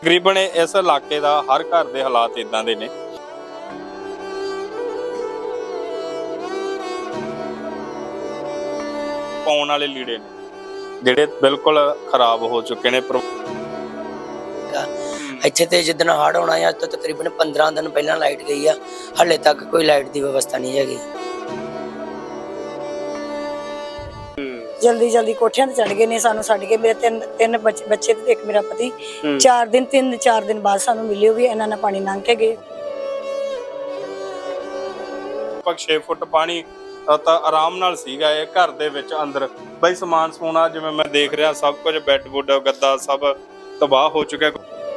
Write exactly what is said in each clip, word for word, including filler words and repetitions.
ਤਕਰੀਬਨ ਇਸ ਇਲਾਕੇ ਦਾ ਹਰ ਘਰ ਦੇ ਹਾਲਾਤ ਇਦਾਂ ਦੇ ਨੇ। ਪਾਉਣ ਵਾਲੇ ਲੀੜੇ ਨੇ ਜਿਹੜੇ ਬਿਲਕੁਲ ਖਰਾਬ ਹੋ ਚੁੱਕੇ ਨੇ। ਇੱਥੇ ਤੇ ਜਿੱਦਣ ਹੜ੍ਹ ਆਉਣਾ ਹੈ, ਅੱਜ ਤੋਂ ਤਕਰੀਬਨ ਪੰਦਰਾਂ ਦਿਨ ਪਹਿਲਾਂ ਲਾਈਟ ਗਈ ਆ, ਹਾਲੇ ਤੱਕ ਕੋਈ ਲਾਈਟ ਦੀ ਵਿਵਸਥਾ ਨਹੀਂ ਹੈਗੀ। ਜਲਦੀ ਜਲਦੀ ਕੋਠਿਆਂ ਤੇ ਚੜ ਗਏ ਨੇ, ਸਾਨੂੰ ਛੱਡ ਕੇ। ਮੇਰੇ ਤਿੰਨ ਤਿੰਨ ਬੱਚੇ ਬੱਚੇ ਤੇ ਇੱਕ ਮੇਰਾ ਪਤੀ ਚਾਰ ਦਿਨ ਤਿੰਨ ਚਾਰ ਦਿਨ ਬਾਅਦ ਸਾਨੂੰ ਮਿਲਿਓ ਵੀ ਇਹਨਾਂ ਨਾਲ ਪਾਣੀ ਲੰਘ ਕੇ ਗਏ। ਲਗਭਗ ਛੇ ਫੁੱਟ ਪਾਣੀ ਤਾਂ ਆਰਾਮ ਨਾਲ ਸੀਗਾ ਇਹ ਘਰ ਦੇ ਵਿੱਚ ਅੰਦਰ। ਬਈ ਸਮਾਨ ਸਮੂਨਾ ਜਿਵੇਂ ਮੈਂ ਦੇਖ ਰਿਹਾ ਸਭ ਕੁਝ ਬੈੱਡ ਬੁੱਡ ਗੱਦਾ ਸਭ ਤਬਾਹ ਹੋ ਚੁੱਕਿਆ।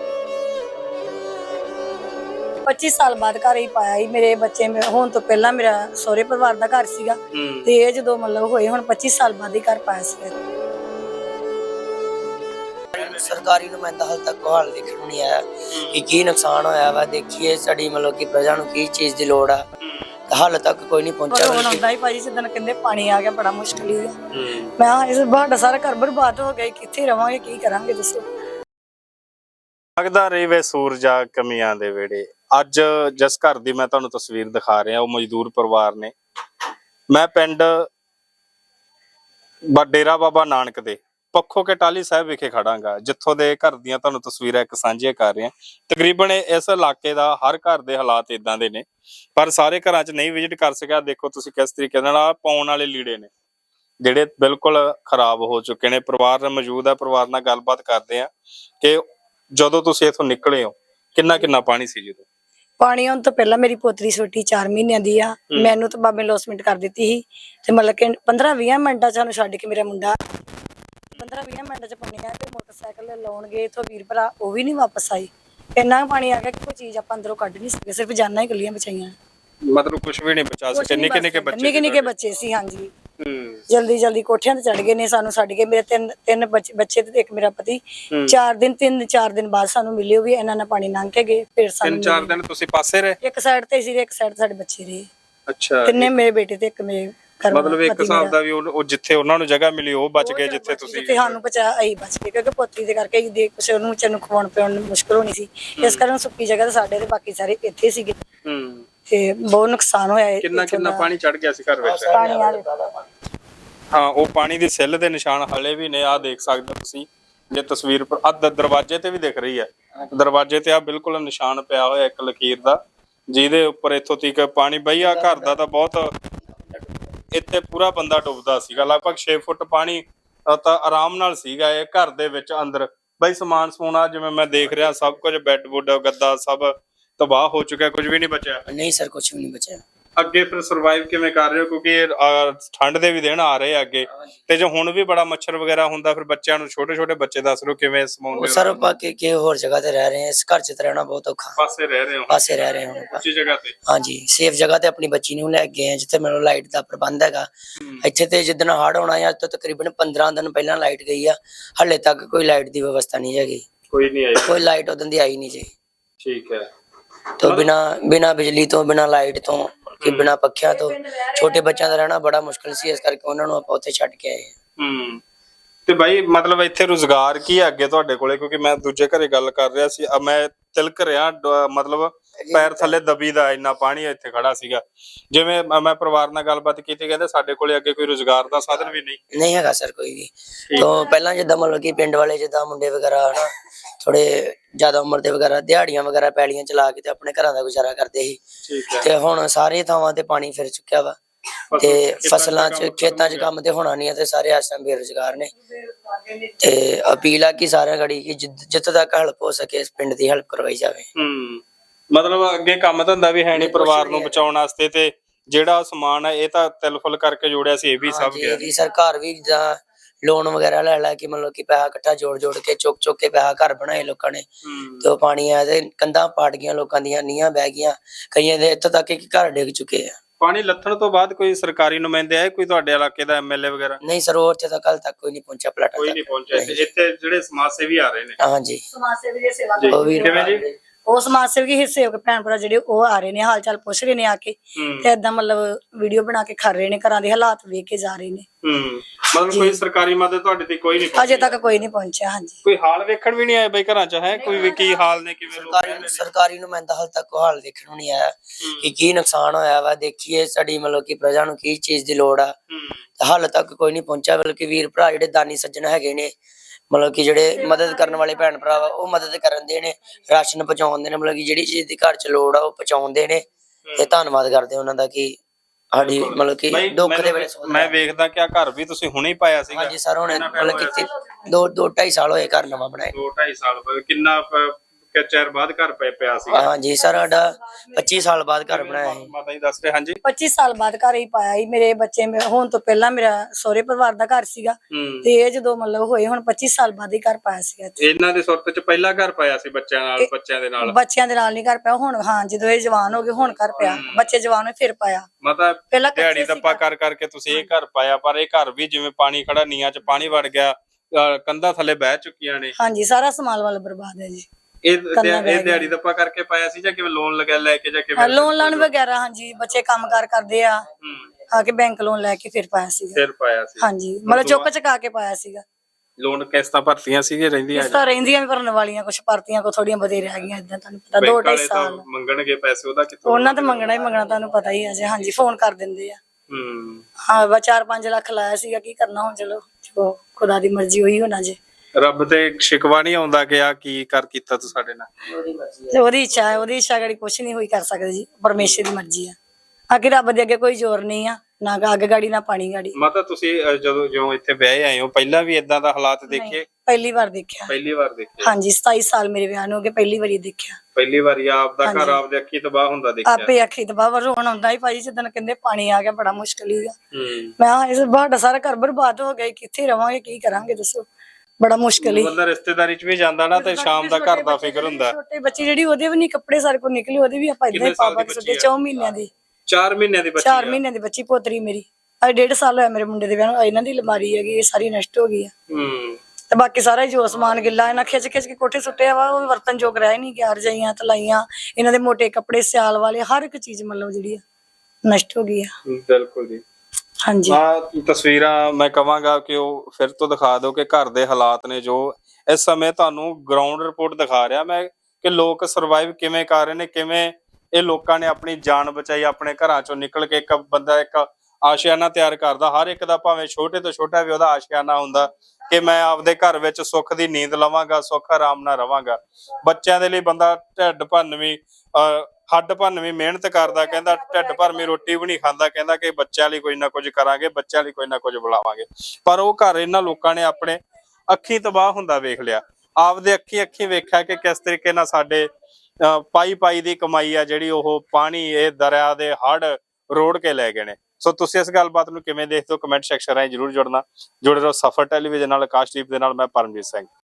ਪੱਚੀ ਸਾਲ ਬਾਅਦ ਘਰ ਹੀ ਪਾਇਆ ਸੀ। ਮੇਰੇ ਬੱਚੇ ਹੋਣ ਤੋਂ ਪਹਿਲਾਂ ਮੇਰਾ ਸਹੁਰੇ ਪਰਿਵਾਰ ਦਾ ਘਰ ਸੀਗਾ ਤੇ ਇਹ ਜਦੋਂ ਮਤਲਬ ਹੋਏ ਹੁਣ ਪੱਚੀ ਸਾਲ ਬਾਅਦ ਹੀ ਘਰ ਪਾਇਆ ਸੀ। ਸਰਕਾਰੀ ਨੁਮਾਇੰਦਾ ਹਾਲ ਤੱਕ ਹਾਲ ਦੇਖਣ ਨੂੰ ਨਹੀਂ ਆਇਆ ਕਿ ਕੀ ਨੁਕਸਾਨ ਹੋਇਆ ਵਾ। ਦੇਖੀਏ ਸਾਡੀ ਮਤਲਬ ਕਿ ਪ੍ਰਜਾ ਨੂੰ ਕੀ ਚੀਜ਼ ਦੀ ਲੋੜ ਆ, ਹਾਲ ਤੱਕ ਕੋਈ ਨਹੀਂ ਪਹੁੰਚਿਆ। ਹੁਣ ਆਉਂਦਾ ਹੀ ਭਾਜੀ ਜਿੱਦਣ ਕਹਿੰਦੇ ਪਾਣੀ ਆ ਗਿਆ ਬੜਾ ਮੁਸ਼ਕਿਲ ਹੀ ਆ। ਮੈਂ ਇਸ ਸਾਡਾ ਸਾਰਾ ਘਰ ਬਰਬਾਦ ਹੋ ਗਿਆ, ਕਿੱਥੇ ਰਵਾਂਗੇ ਕੀ ਕਰਾਂਗੇ ਦੱਸੋ। ਲੱਗਦਾ ਰਹੀ ਵੇ ਸੂਰਜਾ ਕਮੀਆਂ ਦੇ ਵੇੜੇ। ਅੱਜ ਜਿਸ ਘਰ ਦੀ ਮੈਂ ਤੁਹਾਨੂੰ ਤਸਵੀਰ ਦਿਖਾ ਰਿਹਾ ਉਹ ਮਜ਼ਦੂਰ ਪਰਿਵਾਰ ਨੇ। ਮੈਂ ਪਿੰਡ ਡੇਰਾ ਬਾਬਾ ਨਾਨਕ ਦੇ ਪੱਖੋ ਕੇ ਟਾਹਲੀ ਸਾਹਿਬ ਵਿਖੇ ਖੜਾਂਗਾ, ਜਿੱਥੋਂ ਦੇ ਘਰ ਦੀਆਂ ਤੁਹਾਨੂੰ ਤਸਵੀਰਾਂ ਇੱਕ ਸਾਂਝੀਆਂ ਕਰ ਰਿਹਾ। ਤਕਰੀਬਨ ਇਸ ਇਲਾਕੇ ਦਾ ਹਰ ਘਰ ਦੇ ਹਾਲਾਤ ਇਦਾਂ ਦੇ ਨੇ, ਪਰ ਸਾਰੇ ਘਰਾਂ 'ਚ ਨਹੀਂ ਵਿਜ਼ਿਟ ਕਰ ਸਕਿਆ। ਦੇਖੋ ਤੁਸੀਂ ਕਿਸ ਤਰੀਕੇ ਨਾਲ ਆ ਪਾਉਣ ਵਾਲੇ ਲੀੜੇ ਨੇ ਜਿਹੜੇ ਬਿਲਕੁਲ ਖਰਾਬ ਹੋ ਚੁੱਕੇ ਨੇ। ਪਰਿਵਾਰ ਮੌਜੂਦ ਹੈ, ਪਰਿਵਾਰ ਨਾਲ ਗੱਲਬਾਤ ਕਰਦੇ ਆ ਕਿ ਜਦੋਂ ਤੁਸੀਂ ਇੱਥੋਂ ਨਿਕਲੇ ਹੋ ਕਿੰਨਾ ਕਿੰਨਾ ਪਾਣੀ ਸੀ। ਜਦੋਂ ਪਾਣੀ ਆਉਣ ਤੋਂ ਪਹਿਲਾਂ ਮੇਰੀ ਪੋਤਰੀ ਛੋਟੀ ਚਾਰ ਮਹੀਨਿਆਂ ਦੀ ਆ, ਮੈਨੂੰ ਤਾਂ ਬਾਬੇ ਲੋਸਮੈਂਟ ਕਰ ਦਿੱਤੀ ਸੀ ਤੇ ਮਤਲਬ ਕਿ ਪੰਦਰਾਂ ਵੀਹ ਮਿੰਟਾਂ ਚ ਸਾਨੂੰ ਛੱਡ ਕੇ ਮੇਰਾ ਮੁੰਡਾ ਪੰਦਰਾਂ ਵੀਹ ਮਿੰਟਾਂ ਚ ਪਾਣੀ ਆਇਆ ਤੇ ਮੋਟਰਸਾਈਕਲ ਲਾਉਣ ਗਏ ਇਥੋਂ ਵੀਰ ਭਰਾ, ਉਹ ਵੀ ਨਹੀਂ ਵਾਪਸ ਆਈ। ਇੰਨਾ ਪਾਣੀ ਆ ਗਿਆ ਕਿ ਕੋਈ ਚੀਜ਼ ਆਪਾਂ ਅੰਦਰੋਂ ਕੱਢ ਨਹੀਂ ਸਕੇ, ਸਿਰਫ ਜਾਨਾਂ ਹੀ ਇਕੱਲੀਆਂ ਬਚਾਈਆਂ। ਮਤਲਬ ਕੁਝ ਵੀ ਨਹੀਂ ਬਚਾ ਸਕੇ। ਨਿੱਕੇ ਨਿੱਕੇ ਬੱਚੇ ਨਿੱਕੇ ਨਿੱਕੇ ਬੱਚੇ ਸੀ। ਹਾਂਜੀ ਜਲਦੀ ਜਲਦੀ ਕੋਠਿਆਂ ਤੇ ਚੜ ਗਏ ਨੇ, ਸਾਨੂੰ ਛੱਡ ਕੇ। ਮੇਰੇ ਤਿੰਨ ਤਿੰਨ ਬੱਚੇ ਤੇ ਇੱਕ ਮੇਰਾ ਪਤੀ ਚਾਰ ਦਿਨ ਤਿੰਨ ਚਾਰ ਦਿਨ ਬਾਅਦ ਸਾਨੂੰ ਮਿਲਿਓ ਵੀ ਇਹਨਾਂ ਨਾਲ ਪਾਣੀ ਲੰਘ ਕੇ ਗਏ। ਫਿਰ ਸਾਨੂੰ ਤਿੰਨ ਚਾਰ ਦਿਨ ਤੁਸੀਂ ਪਾਸੇ ਰਹੇ? ਇੱਕ ਸਾਈਡ ਤੇ ਸੀ, ਇੱਕ ਸਾਈਡ ਸਾਡੇ ਬੱਚੇ ਰਹੇ। ਅੱਛਾ, ਤਿੰਨੇ ਮੇਰੇ ਬੇਟੇ ਤੇ ਇੱਕ ਮੇਰੇ ਮਤਲਬ ਇੱਕ ਹਿਸਾਬ ਦਾ ਵੀ ਉਹ ਜਿੱਥੇ ਉਹਨਾਂ ਨੂੰ ਜਗ੍ਹਾ ਮਿਲੀ ਉਹ ਬਚ ਗਏ, ਜਿੱਥੇ ਤੁਸੀਂ ਜਿੱਥੇ ਸਾਨੂੰ ਬਚਾ ਅਸੀਂ ਬਚ ਗਏ। ਕਿਉਂਕਿ ਪੋਤਰੀ ਦੇ ਕਰਕੇ ਦੇ ਕੁਛ ਉਹਨੂੰ ਵਿਚਾਰ ਨੂੰ ਖਵਾਉਣ ਪਿਆਉਣ ਨੂੰ ਮੁਸ਼ਕਲ ਹੋਣੀ ਸੀ, ਇਸ ਕਾਰਨ ਸੁੱਕੀ ਜਗ੍ਹਾ ਤੇ ਸਾਡੇ ਤੇ ਬਾਕੀ ਸਾਰੇ ਇੱਥੇ ਸੀਗੇ ਤੇ ਬਹੁਤ ਨੁਕਸਾਨ ਹੋਇਆ। ਕਿੰਨਾ ਕਿੰਨਾ ਪਾਣੀ ਚੜ ਗਿਆ ਸੀ ਘਰ ਵਿੱਚ? ਪਾਣੀ ਆ ਹਾਂ, ਉਹ ਪਾਣੀ ਦੀ ਸਿੱਲ ਦੇ ਨਿਸ਼ਾਨ ਹਲੇ ਵੀ ਨੇ। ਆਹ ਦੇਖ ਸਕਦੇ ਹੋ ਤੁਸੀਂ ਜੇ ਤਸਵੀਰ ਪਰ। ਅੱਧ ਦਰਵਾਜ਼ੇ ਤੇ ਵੀ ਦਿਖ ਰਹੀ ਹੈ, ਦਰਵਾਜ਼ੇ ਤੇ ਆ ਬਿਲਕੁਲ ਨਿਸ਼ਾਨ ਪਿਆ ਹੋਇਆ ਇੱਕ ਲਕੀਰ ਦਾ, ਜਿਹਦੇ ਉੱਪਰ ਇੱਥੋਂ ਤੱਕ ਪਾਣੀ। ਬਈ ਆ ਘਰ ਦਾ ਤਾਂ ਬਹੁਤ, ਇੱਥੇ ਪੂਰਾ ਬੰਦਾ ਡੁੱਬਦਾ ਸੀਗਾ। ਲਗਭਗ ਛੇ ਫੁੱਟ ਪਾਣੀ ਤਾਂ ਆਰਾਮ ਨਾਲ ਸੀਗਾ ਇਹ ਘਰ ਦੇ ਵਿੱਚ ਅੰਦਰ। ਬਈ ਸਮਾਨ ਸਮੂਨਾ ਜਿਵੇਂ ਮੈਂ ਦੇਖ ਰਿਹਾ ਸਭ ਕੁਝ ਬੈੱਡ ਬੁੱਡ ਗੱਦਾ ਸਭ ਤਬਾਹ ਹੋ ਚੁੱਕਿਆ, ਕੁਝ ਵੀ ਨਹੀਂ ਬਚਿਆ। ਨਹੀਂ ਸਰ, ਕੁਝ ਵੀ ਨਹੀਂ ਬਚਿਆ। ਅੱਗੇ ਫਿਰ ਸਰਵਾਈਵ ਕਿਵੇਂ ਕਰ ਰਹੇ ਹੋ? ਕਿਉਂਕਿ ਠੰਡ ਦੇ ਵੀ ਦਿਨ ਆ ਰਹੇ ਆ ਅੱਗੇ, ਤੇ ਜੇ ਹੁਣ ਵੀ ਬੜਾ ਮੱਛਰ ਵਗੈਰਾ ਹੁੰਦਾ ਫਿਰ ਬੱਚਿਆਂ ਨੂੰ, ਛੋਟੇ ਛੋਟੇ ਬੱਚੇ ਦੱਸ ਰਹੇ ਕਿਵੇਂ ਸਮਾਉਂਦੇ? ਸਰ ਆਪਾਂ ਕਿ ਹੋਰ ਜਗ੍ਹਾ ਤੇ ਰਹਿ ਰਹੇ ਹਾਂ, ਇਸ ਘਰ ਚ ਰਹਿਣਾ ਬਹੁਤ ਔਖਾ। ਪਾਸੇ ਰਹਿ ਰਹੇ ਹੋ? ਪਾਸੇ ਰਹਿ ਰਹੇ ਹਾਂ ਉੱਚੀ ਜਗ੍ਹਾ ਤੇ। ਹਾਂਜੀ, ਸੇਫ ਜਗ੍ਹਾ ਤੇ ਆਪਣੀ ਬੱਚੀ ਨੂੰ ਲੈ ਗਏ ਆ ਜਿੱਥੇ ਮੈਨੂੰ ਲਾਈਟ ਦਾ ਪ੍ਰਬੰਧ ਹੈਗਾ। ਇੱਥੇ ਤੇ ਜਿੱਦਣ ਹੜ੍ਹ ਆਉਣਾ ਹੈ, ਅੱਜ ਤੋਂ ਤਕਰੀਬਨ ਪੰਦਰਾਂ ਦਿਨ ਪਹਿਲਾਂ ਲਾਈਟ ਗਈ ਆ, ਹਾਲੇ ਤੱਕ ਕੋਈ ਲਾਈਟ ਦੀ ਵਿਵਸਥਾ ਨਹੀਂ ਹੈਗੀ। ਕੋਈ ਨਹੀਂ ਆਈ? ਕੋਈ ਲਾਈਟ ਉਦੋਂ ਦੀ ਆਈ ਨਹੀਂ ਜੀ। ਠੀਕ ਹੈ। ਤੋਂ ਬਿਨਾ ਬਿਨਾ ਬਿਜਲੀ ਤੋਂ, ਬਿਨਾ ਲਾਈਟ ਤੋਂ, ਕਿ ਬਿਨਾ ਪੱਖਿਆਂ ਤੋਂ ਛੋਟੇ ਬੱਚਿਆਂ ਦਾ ਰਹਿਣਾ ਬੜਾ ਮੁਸ਼ਕਿਲ ਸੀ, ਇਸ ਕਰਕੇ ਉਹਨਾਂ ਨੂੰ ਆਪਾਂ ਉੱਥੇ ਛੱਡ ਕੇ ਆਏ ਹਾਂ। ਹੂੰ ਤੇ ਬਾਈ ਮਤਲਬ ਇੱਥੇ ਰੁਜ਼ਗਾਰ ਕੀ ਹੈ ਅੱਗੇ ਤੁਹਾਡੇ ਕੋਲੇ? ਕਿਉਂਕਿ ਮੈਂ ਦੂਜੇ ਘਰੇ ਗੱਲ ਕਰ ਰਿਹਾ ਸੀ, ਮੈਂ ਤਿਲਕ ਰਿਹਾ ਮਤਲਬ ਪੈਰ ਥੱਲੇ ਦਬੀ ਦਾ ਇੰਨਾ ਪਾਣੀ ਇੱਥੇ ਖੜਾ ਸੀਗਾ। ਜਿਵੇਂ ਮੈਂ ਪਰਿਵਾਰ ਨਾਲ ਗੱਲਬਾਤ ਕੀਤੀ, ਕਹਿੰਦੇ ਸਾਡੇ ਕੋਲੇ ਅੱਗੇ ਕੋਈ ਰੁਜ਼ਗਾਰ ਦਾ ਸਾਧਨ ਵੀ ਨਹੀਂ ਨਹੀਂ ਹੈਗਾ ਸਰ ਕੋਈ ਵੀ। ਤੋਂ ਪਹਿਲਾਂ ਜਿੱਦਾਂ ਮਤਲਬ ਕਿ ਪਿੰਡ ਵਾਲੇ ਜਿੱਦਾਂ ਮੁੰਡੇ ਵਗੈਰਾ ਹਨਾ ਥੋੜੇ ਜ਼ਿਆਦਾ ਉਮਰ ਦੇ ਵਗੈਰਾ ਦਿਹਾੜੀਆਂ ਵਗੈਰਾ ਪੈਲੀਆਂ ਚਲਾ ਕੇ ਤੇ ਆਪਣੇ ਘਰਾਂ ਦਾ ਗੁਜ਼ਾਰਾ ਕਰਦੇ ਸੀ। ਤੇ ਹੁਣ ਸਾਰੇ ਥਾਵਾਂ ਤੇ ਪਾਣੀ ਫਿਰ ਚੁੱਕਿਆ ਵਾ ਤੇ ਫਸਲਾਂ ਚ ਖੇਤਾਂ ਚ ਕੰਮ ਤੇ ਹੋਣਾ ਨਹੀਂ ਹੈ ਤੇ ਸਾਰੇ ਇਸ ਟਾਈਮ ਬੇਰੁਜ਼ਗਾਰ ਨੇ। ਤੇ ਅਪੀਲ ਆ ਕਿ ਸਾਰਿਆਂ ਗੜੀ ਕਿ ਜਿੱਥੇ ਤੱਕ ਹੈਲਪ ਹੋ ਸਕੇ ਇਸ ਪਿੰਡ ਦੀ ਹੈਲਪ ਕਰਵਾਈ ਜਾਵੇ। ਹੂੰ ਮਤਲਬ ਅੱਗੇ ਕੰਮ ਧੰਦਾ ਵੀ ਹੈ ਨਹੀਂ ਪਰਿਵਾਰ ਨੂੰ ਬਚਾਉਣ ਵਾਸਤੇ, ਤੇ ਜਿਹੜਾ ਸਮਾਨ ਹੈ ਇਹ ਤਾਂ ਤਿਲਫੁਲ ਕਰਕੇ ਜੋੜਿਆ ਸੀ, ਇਹ ਵੀ ਸਭ ਗਿਆ ਜੀ। ਸਰਕਾਰ ਵੀ ਜਾਂ ਲੋਨ ਵਗੈਰਾ ਲੈ ਲੈ ਕੇ ਮਤਲਬ ਕਿ ਪੈਸਾ ਇਕੱਠਾ ਜੋੜ ਜੋੜ ਕੇ ਚੁੱਕ ਚੁੱਕ ਕੇ ਪੈਸਾ ਘਰ ਬਣਾਏ ਲੋਕਾਂ ਨੇ। ਤੇ ਉਹ ਪਾਣੀ ਆਇਆ ਤੇ ਕੰਧਾਂ ਪਾਟ ਗਈਆਂ, ਲੋਕਾਂ ਦੀਆਂ ਨੀਹਾਂ ਬਹਿ ਗਈਆਂ, ਕਈਆਂ ਦੇ ਇੱਥੋਂ ਤੱਕ ਕਿ ਘਰ ਡਿੱਗ ਚੁੱਕੇ ਆ। ਪਾਣੀ ਲੱਥਣ ਤੋਂ ਬਾਅਦ ਕੋਈ ਸਰਕਾਰੀ ਨੁਮਾਇੰਦੇ ਆਏ, ਕੋਈ ਤੁਹਾਡੇ ਇਲਾਕੇ ਦਾ ਐਮਐਲਏ ਵਗੈਰਾ? ਨਹੀਂ ਸਰ, ਉਹ ਇੱਥੇ ਤੱਕ ਕੱਲ ਤੱਕ ਕੋਈ ਨਹੀਂ ਪਹੁੰਚਿਆ। ਪਲਾਟਾ ਕੋਈ ਨਹੀਂ ਪਹੁੰਚਿਆ। ਇੱਥੇ ਜਿਹੜੇ ਸਮਾਜ ਸੇਵੀ ਆ ਰਹੇ ਨੇ? ਹਾਂਜੀ, ਸਮਾਜ ਸੇਵੀ ਦੀ ਸੇਵਾ ਕਿਵੇਂ ਜੀ? ਉਹ ਸਮਾਜ ਸੇਵੀ ਹਿੱਸੇ ਹੋ ਕੇ ਭੈਣ ਭਰਾ ਜਿਹੜੇ ਉਹ ਆ ਰਹੇ ਨੇ, ਹਾਲ ਚਾਲ ਪੁੱਛ ਰਹੇ ਨੇ ਆ ਕੇ, ਤੇ ਏਦਾਂ ਮਤਲਬ ਵੀਡੀਓ ਬਣਾ ਕੇ ਖੜ ਰਹੇ ਨੇ, ਘਰਾਂ ਦੇ ਹਾਲਾਤ ਵੇਖ ਕੇ ਜਾ ਰਹੇ ਨੇ। ਹੂੰ ਮਤਲਬ ਕੋਈ ਸਰਕਾਰੀ ਮਦਦ ਤੁਹਾਡੇ ਤੇ ਕੋਈ ਨਹੀਂ ਪਹੁੰਚੀ? ਅਜੇ ਤੱਕ ਕੋਈ ਨਹੀਂ ਪਹੁੰਚਿਆ। ਹਾਂਜੀ ਕੋਈ ਹਾਲ ਵੇਖਣ ਵੀ ਨਹੀਂ ਆਏ ਬਈ ਘਰਾਂ ਚ? ਹੈ ਕੋਈ ਵੀ ਕੀ ਹਾਲ ਨੇ, ਕਿਵੇਂ ਲੋਕ ਰਹਿ ਰਹੇ ਨੇ? ਸਰਕਾਰੀ ਨੁਮਾਇੰਦਾ ਹਾਲ ਤੱਕ ਹਾਲ ਦੇਖਣ ਨੂੰ ਨਹੀਂ ਆਇਆ ਕਿ ਕੀ ਨੁਕਸਾਨ ਹੋਇਆ ਵਾ, ਦੇਖੀਏ ਸਾਡੀ ਮਤਲਬ ਕਿ ਪ੍ਰਜਾ ਨੂੰ ਕੀ ਚੀਜ਼ ਦੀ ਲੋੜ ਆ, ਹਾਲ ਤੱਕ ਕੋਈ ਨਹੀਂ ਪਹੁੰਚਿਆ। ਬਲਕਿ ਵੀਰ ਭਰਾ ਜਿਹੜੇ ਦਾਨੀ ਸੱਜਣ ਹੈਗੇ ਨੇ, ਮਤਲਬ ਕਿ ਜਿਹੜੇ ਮਦਦ ਕਰਨ ਵਾਲੇ ਭੈਣ ਭਰਾ ਵਾ, ਉਹ ਮਦਦ ਕਰਨ ਦੇ ਨੇ, ਰਾਸ਼ਨ ਪਹੁੰਚਾਉਂਦੇ ਨੇ, ਮਤਲਬ ਕਿ ਜਿਹੜੀ ਚੀਜ਼ ਦੀ ਘਰ ਚ ਲੋੜ ਆ ਉਹ ਪਹੁੰਚਾਉਂਦੇ ਨੇ, ਤੇ ਧੰਨਵਾਦ ਕਰਦੇ ਉਹਨਾਂ ਦਾ ਕਿ ਸਾਡੀ ਮਤਲਬ ਕਿ ਦੁੱਖ ਦੇ ਵੇਲੇ। ਮੈਂ ਵੇਖਦਾ ਕਿ ਆ ਘਰ ਵੀ ਤੁਸੀਂ ਹੁਣੇ ਹੀ ਪਾਇਆ ਸੀਗਾ? ਹਾਂਜੀ ਸਰ, ਹੁਣ ਮਤਲਬ ਕਿ ਦੋ ਦੋ ਢਾਈ ਸਾਲ ਹੋਏ ਘਰ ਨਵਾਂ ਬਣਾਏ। ਦੋ ਢਾਈ ਸਾਲ ਬਾਅਦ? ਕਿੰਨਾ ਚਿਰ ਬਾਅਦ ਘਰ ਪੈ ਪਿਆ ਸੀ? ਹਾਂਜੀ ਸਰ, ਸਾਡਾ ਪੱਚੀ ਸਾਲ ਬਾਅਦ ਘਰ ਬਣਾਇਆ ਸੀ। ਮਾਤਾ ਜੀ ਦੱਸ ਰਹੇ। ਹਾਂਜੀ ਪੱਚੀ ਸਾਲ ਬਾਅਦ ਘਰ ਹੀ ਪਾਇਆ ਸੀ। ਮੇਰੇ ਬੱਚੇ ਹੋਣ ਤੋਂ ਪਹਿਲਾਂ ਮੇਰਾ ਸਹੁਰੇ ਪਰਿਵਾਰ ਦਾ ਘਰ ਸੀਗਾ, ਤੇ ਇਹ ਜਦੋਂ ਮਤਲਬ ਹੋਏ ਹੁਣ ਪੱਚੀ ਸਾਲ ਬਾਅਦ ਹੀ ਘਰ ਪਾਇਆ ਸੀਗਾ। ਇਹਨਾਂ ਦੇ ਸੁਰਤ ਚ ਪਹਿਲਾਂ ਘਰ ਪਾਇਆ ਸੀ ਬੱਚਿਆਂ ਨਾਲ? ਬੱਚਿਆਂ ਦੇ ਨਾਲ? ਬੱਚਿਆਂ ਦੇ ਨਾਲ ਨਹੀਂ ਘਰ ਪਿਆ ਹੁਣ। ਹਾਂ ਜਦੋਂ ਇਹ ਜਵਾਨ ਹੋ ਗਏ ਹੁਣ ਘਰ ਪਿਆ, ਬੱਚੇ ਜਵਾਨ ਹੋਏ ਫਿਰ ਪਾਇਆ। ਮਾਤਾ ਪਹਿਲਾਂ ਦਿਹਾੜੀ ਦੱਪਾ ਕਰ ਕਰਕੇ ਤੁਸੀਂ ਇਹ ਘਰ ਪਾਇਆ, ਪਰ ਇਹ ਘਰ ਵੀ ਜਿਵੇਂ ਪਾਣੀ ਖੜਾ, ਨੀਆਂ ਚ ਪਾਣੀ ਵੜ ਗਿਆ, ਕੰਧਾਂ ਥੱਲੇ ਬਹਿ ਚੁੱਕੀਆਂ ਨੇ। ਹਾਂਜੀ ਸਾਰਾ ਸਮਾਲ ਵਾਲਾ ਬਰਬਾਦ ਹੈ ਜੀ। ਇਹ ਇਹ ਦਿਹਾੜੀ ਦੱਪਾ ਕਰਕੇ ਪਾਇਆ ਸੀ ਜਾਂ ਕਿਵੇਂ ਲੋਨ ਲਗਾ ਲੈ ਕੇ ਜਾਂ ਕਿਵੇਂ? ਲੋਨ ਲਾਣ ਵਗੈਰਾ। ਹਾਂਜੀ ਬੱਚੇ ਕੰਮਕਾਰ ਕਰਦੇ ਆ, ਆ ਕੇ ਬੈਂਕ ਲੋਨ ਲੈ ਕੇ ਫਿਰ ਪਾਇਆ ਸੀਗਾ। ਫਿਰ ਪਾਇਆ ਸੀ? ਹਾਂਜੀ ਮਤਲਬ ਚੁੱਕ ਚੁਕਾ ਕੇ ਪਾਇਆ ਸੀਗਾ। ਲੋਨ ਕਿਸ਼ਤਾਂ ਭਰਤੀਆਂ ਸੀਗੇ ਰਹਿੰਦੀਆਂ? ਕਿਸ਼ਤਾਂ ਰਹਿੰਦੀਆਂ ਵੀ ਭਰਨ ਵਾਲੀਆਂ, ਕੁਝ ਭਰਤੀਆਂ ਕੋ ਥੋੜੀਆਂ ਬਦੇ ਰਹਿ ਗਈਆਂ। ਇਦਾਂ ਤੁਹਾਨੂੰ ਪਤਾ ਦੋ ਢਾਈ ਸਾਲ ਮੰਗਣਗੇ ਪੈਸੇ, ਉਹਦਾ ਕਿੱਥੋਂ? ਉਹਨਾਂ ਤੇ ਮੰਗਣਾ ਹੀ ਮੰਗਣਾ, ਤੁਹਾਨੂੰ ਪਤਾ ਹੀ ਹੈ ਜੀ। ਹਾਂਜੀ ਫੋਨ ਕਰ ਦਿੰਦੇ ਆ। ਹੂੰ ਹਾਂ ਬਸ ਚਾਰ ਪੰਜ ਲੱਖ ਲਾਇਆ ਸੀਗਾ, ਕੀ ਕਰਨਾ ਹੁਣ, ਚਲੋ ਜੋ ਖੁਦਾ ਦੀ ਮਰਜ਼ੀ ਹੋਈ ਹੋਣਾ ਜੇ। ਰੱਬ ਤੇ ਸ਼ਿਕਵਾ ਨਹੀਂ ਆਉਂਦਾ ਕਿ ਆ ਕੀ ਕਰ ਕੀਤਾ ਤੂੰ ਸਾਡੇ ਨਾਲ? ਤੇ ਉਹਦੀ ਇੱਛਾ ਹੈ, ਉਹਦੀ ਇੱਛਾ ਗੜੀ ਕੁਛ ਨਹੀਂ ਹੋਈ ਕਰ ਸਕਦੇ ਜੀ, ਪਰਮੇਸ਼ਰ ਦੀ ਮਰਜ਼ੀ ਆ। ਅੱਗੇ ਰੱਬ ਦੇ ਅੱਗੇ ਕੋਈ ਜ਼ੋਰ ਨਹੀਂ ਆ, ਨਾ ਅੱਗ ਗਾੜੀ ਨਾ ਪਾਣੀ ਗਾੜੀ। ਮਾਤਾ ਤੁਸੀਂ ਜਦੋਂ ਜਿਉਂ ਇੱਥੇ ਵਿਆਹੇ ਆਏ ਹੋ, ਪਹਿਲਾਂ ਵੀ ਇਦਾਂ ਦਾ ਹਾਲਾਤ ਦੇਖੇ? ਪਹਿਲੀ ਵਾਰ ਦੇਖਿਆ। ਪਹਿਲੀ ਵਾਰ ਦੇਖਿਆ? ਹਾਂਜੀ ਸਤਾਈ ਸਾਲ ਮੇਰੇ ਵਿਆਹ ਨੂੰ ਹੋ ਗਏ, ਪਹਿਲੀ ਵਾਰੀ ਦੇਖਿਆ। ਪਹਿਲੀ ਵਾਰੀ ਆਪ ਦਾ ਘਰ ਆਪਦੇ ਅੱਖੀ ਤਬਾਹ ਹੁੰਦਾ ਦੇਖਿਆ? ਆਪੇ ਅੱਖੀ ਤਬਾਹ ਰੋਣ ਆਉਂਦਾ ਹੀ ਭਾਜੀ, ਜਿੱਦਣ ਕਹਿੰਦੇ ਪਾਣੀ ਆ ਗਿਆ ਬੜਾ ਮੁਸ਼ਕਲ ਹੀ ਆ। ਹੂੰ ਮੈਂ ਇਸ ਸਾਡਾ ਸਾਰਾ ਘਰ ਬਰਬਾਦ ਹੋ ਗਿਆ, ਕਿੱਥੇ ਰਵਾਂਗੇ, ਕੀ ਕਰਾਂਗੇ ਦੱਸੋ, ਬੜਾ ਮੁਸ਼ਕਲ ਹੀ। ਬੰਦਾ ਰਿਸ਼ਤੇਦਾਰੀ ਚ ਵੀ ਜਾਂਦਾ ਨਾ ਤੇ ਸ਼ਾਮ ਦਾ ਘਰ ਦਾ ਫਿਕਰ ਹੁੰਦਾ। ਛੋਟੇ ਬੱਚੇ ਜਿਹੜੀ ਉਹਦੇ ਵੀ ਨਹੀਂ ਕੱਪੜੇ ਸਾਰੇ ਕੋਲ ਨਿਕਲੇ, ਉਹਦੇ ਵੀ ਆਪਾਂ ਇਦਾਂ ਹੀ ਪਾ ਪਾ ਕੇ ਸੁੱਟੇ। ਚੌ ਮਹੀਨਿਆਂ ਦੀ ਚਾਰ ਮਹੀਨਿਆਂ ਦੀ ਬੱਚੀ? ਚਾਰ ਮਹੀਨਿਆਂ ਦੀ ਬੱਚੀ ਪੋਤਰੀ ਮੇਰੀ। ਅੱਜ ਡੇਢ ਸਾਲ ਹੋਇਆ ਮੇਰੇ ਮੁੰਡੇ ਦੇ ਵਿਆਹ ਨੂੰ। ਇਹਨਾਂ ਦੀ ਅਲਮਾਰੀ ਹੈਗੀ ਇਹ ਸਾਰੀ ਨਸ਼ਟ ਹੋ ਗਈ ਆ, ਹੂੰ ਤੇ ਬਾਕੀ ਸਾਰਾ ਜੋ ਸਮਾਨ ਗਿੱਲਾ ਇਹਨਾਂ ਖਿੱਚ ਖਿੱਚ ਕੇ ਕੋਠੇ ਸੁੱਟਿਆ ਵਾ, ਉਹ ਵਰਤਨ ਯੋਗ ਰਹਿ ਨਹੀਂ ਗਿਆ। ਰਜਾਈਆਂ ਤਲਾਈਆਂ, ਇਹਨਾਂ ਦੇ ਮੋਟੇ ਕੱਪੜੇ, ਸਿਆਲ ਵਾਲੇ, ਹਰ ਇੱਕ ਚੀਜ਼ ਮਤਲਬ ਜਿਹੜੀ ਆ ਨਸ਼ਟ ਹੋ ਗਈ ਆ। ਬਿਲਕੁਲ ਜੀ। ਹਾਂਜੀ ਆ ਤਸਵੀਰਾਂ ਮੈਂ ਕਹਾਂਗਾ ਕਿ ਉਹ ਫਿਰ ਤੋਂ ਦਿਖਾ ਦਿਓ ਕਿ ਘਰ ਦੇ ਹਾਲਾਤ ਨੇ ਜੋ ਇਸ ਸਮੇਂ ਤੁਹਾਨੂੰ ਗਰਾਊਂਡ ਰਿਪੋਰਟ ਦਿਖਾ ਰਿਹਾ ਮੈਂ, ਕਿ ਲੋਕ ਸਰਵਾਈਵ ਕਿਵੇਂ ਕਰ ਰਹੇ ਨੇ, ਕਿਵੇਂ ਇਹ ਲੋਕਾਂ ਨੇ ਆਪਣੀ ਜਾਨ ਬਚਾਈ, ਆਪਣੇ ਘਰਾਂ ਚੋਂ ਨਿਕਲ ਕੇ। ਇੱਕ ਬੰਦਾ ਇੱਕ ਆਸ਼ਿਆਨਾ ਤਿਆਰ ਕਰਦਾ, ਹਰ ਇੱਕ ਦਾ ਭਾਵੇਂ ਛੋਟੇ ਤੋਂ ਛੋਟਾ ਵੀ ਉਹਦਾ ਆਸ਼ਿਆਨਾ ਹੁੰਦਾ ਕਿ ਮੈਂ ਆਪਦੇ ਘਰ ਵਿੱਚ ਸੁੱਖ ਦੀ ਨੀਂਦ ਲਵਾਂਗਾ, ਸੁੱਖ ਆਰਾਮ ਨਾਲ ਰਵਾਂਗਾ। ਬੱਚਿਆਂ ਦੇ ਲਈ ਬੰਦਾ ਢਿੱਡ ਭੰਨਵੀਂ ਅਹ ਹੱਡ ਭੰਨਵੀਂ ਮਿਹਨਤ ਕਰਦਾ, ਕਹਿੰਦਾ ਢਿੱਡ ਭਰਵੀਂ ਰੋਟੀ ਵੀ ਨਹੀਂ ਖਾਂਦਾ, ਕਹਿੰਦਾ ਕਿ ਬੱਚਿਆਂ ਲਈ ਕੁਝ ਨਾ ਕੁਝ ਕਰਾਂਗੇ, ਬੱਚਿਆਂ ਲਈ ਕੁਝ ਨਾ ਕੁਝ ਬੁਲਾਵਾਂਗੇ। ਪਰ ਉਹ ਘਰ ਇਹਨਾਂ ਲੋਕਾਂ ਨੇ ਆਪਣੇ ਅੱਖੀਂ ਤਬਾਹ ਹੁੰਦਾ ਵੇਖ ਲਿਆ, ਆਪਦੇ ਅੱਖੀਂ ਅੱਖੀਂ ਵੇਖਿਆ ਕਿ ਕਿਸ ਤਰੀਕੇ ਨਾਲ ਸਾਡੇ ਪਾਈ ਪਾਈ ਦੀ ਕਮਾਈ ਆ ਜਿਹੜੀ ਉਹ ਪਾਣੀ, ਇਹ ਦਰਿਆ ਦੇ ਹੜ੍ਹ ਰੋੜ ਕੇ ਲੈ ਗਏ ਨੇ। ਸੋ ਤੁਸੀਂ ਇਸ ਗੱਲਬਾਤ ਨੂੰ ਕਿਵੇਂ ਦੇਖਦੇ ਹੋ, ਕਮੈਂਟ ਸੈਕਸ਼ਨ ਰਾਹੀਂ ਜਰੂਰ ਜੁੜਨਾ। ਜੁੜੇ ਰਹੋ ਸਫਰ ਟੈਲੀਵਿਜ਼ਨ ਨਾਲ। ਆਕਾਸ਼ਦੀਪ ਦੇ ਨਾਲ ਮੈਂ ਪਰਮਜੀਤ ਸਿੰਘ।